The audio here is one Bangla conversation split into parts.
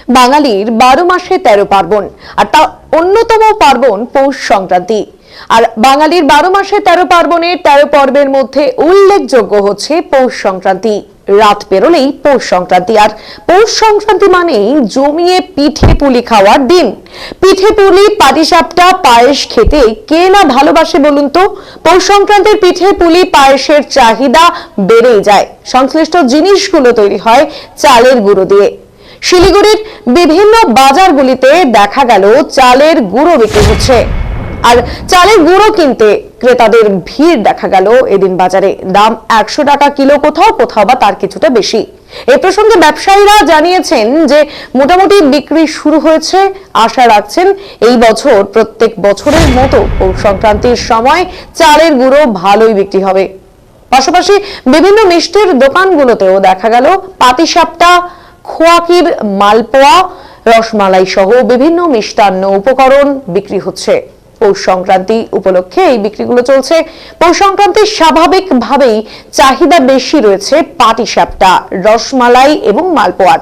বাঙালির 12 মাসে 13 পার্বণ, আর তা অন্যতম পার্বণ পৌষ সংক্রান্তি। আর বাঙালির 12 মাসে 13 পার্বণের 13 পর্বের মধ্যে উল্লেখযোগ্য হচ্ছে পৌষ সংক্রান্তি। রাত পেরোলেই পৌষ সংক্রান্তি, আর পৌষ সংক্রান্তি মানেই জমিয়ে পিঠে পুলি খাওয়ার দিন। পিঠে পুলি, পাটিসাপটা, পায়েস খেতে কে না ভালোবাসে বলুন তো। পৌষ সংক্রান্তির পিঠে পুলি পায়েসের চাহিদা বেড়েই যায়। সংশ্লিষ্ট জিনিসগুলো তৈরি হয় চালের গুঁড়ো দিয়ে। শিলিগুড়ির বিভিন্ন বাজারগুলিতে দেখা গেল চালের গুঁড়ো বিক্রি হচ্ছে, আর চালের গুঁড়ো কিনতে ক্রেতাদের ভিড় দেখা গেল এদিন বাজারে। দাম 100 টাকা কিলো, কোথাও কোথাও বা তার কিছুটা বেশি। এ প্রসঙ্গে ব্যবসায়ীরা জানিয়েছেন যে মোটামুটি বিক্রি শুরু হয়েছে। আশা রাখছেন এই বছর প্রত্যেক বছরের মতো পৌষ সংক্রান্তির সময় চালের গুঁড়ো ভালোই বিক্রি হবে। পাশাপাশি বিভিন্ন মিষ্টির দোকানগুলোতেও দেখা গেল পাটিসাপটা, খোয়াকির মালপোয়া, রসমালাই সহ বিভিন্ন মিষ্টান্ন উপকরণ বিক্রি হচ্ছে। পৌষ সংক্রান্তি উপলক্ষে এই বিক্রিগুলো চলছে। পৌষ সংক্রান্তির স্বাভাবিকভাবেই চাহিদা বেশি রয়েছে পাটিসাপটা, রসমালাই এবং মালপোয়ার।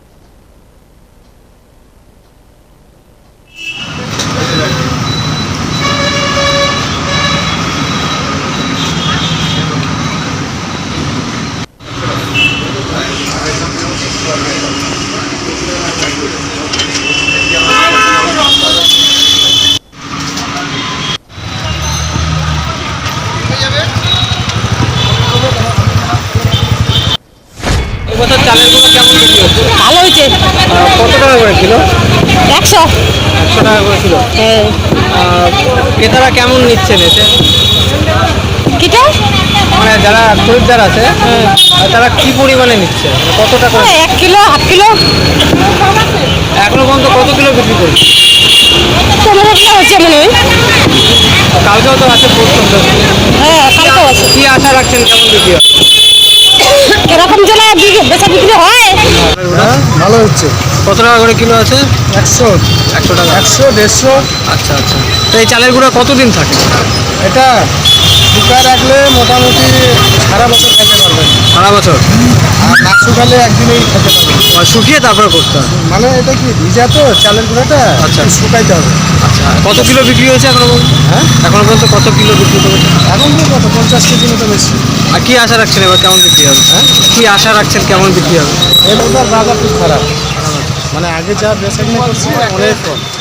এবছর চালের গুঁড়ো কেমন বিক্রি হচ্ছে? ভালো হয়েছে। কত টাকা করে কিলো? 100 টাকা করে কিলো। ক্রেতারা কেমন নিচ্ছেন এসে? কিটা মানে যারা খরিদ্দার আছে তারা কি পরিমাণে নিচ্ছে, মানে কত টাকা? 1 কিলো, হাফ কিলো। এখনো পর্যন্ত কত কিলো বিক্রি করছে? 15 কিলো হচ্ছে মনে হয়। কালকেও তো আছে পৌষ সংক্রান্তি। হ্যাঁ, কালকেও আছে। কি আশা রাখছেন কেমন বিক্রি হবে? এরকম জন্য বেচা বিক্রি হয়। ভালো হচ্ছে। কত টাকা করে কিলো আছে? 100 টাকা। 100 150। আচ্ছা আচ্ছা। তো এই চালের গুঁড়ো কতদিন থাকে? এটা শুকায় রাখলে মোটামুটি সারা বছর খেতে পারবেন। সারা বছর? আর না শুকালে একদিনেই খেতে পারবেন। আর শুকিয়ে তারপরে করতে হবে? মানে এটা কি ভিজা তো চালের গুঁড়োটা, আচ্ছা। একটু শুকাইতে হবে। আচ্ছা, কত কিলো বিক্রি হয়েছে এখনো পর্যন্ত? হ্যাঁ, এখনো পর্যন্ত কত কিলো বিক্রি করেছে? এখন তো কত 50 কেজি মতো বেশি। আর কি আশা রাখছেন এবার কেমন বিক্রি হবে? হ্যাঁ, কি আশা রাখছেন কেমন বিক্রি হবে? এবার বাজার খুব খারাপ। মানে আগে যা বেচা কিনা করছি অনেক কম।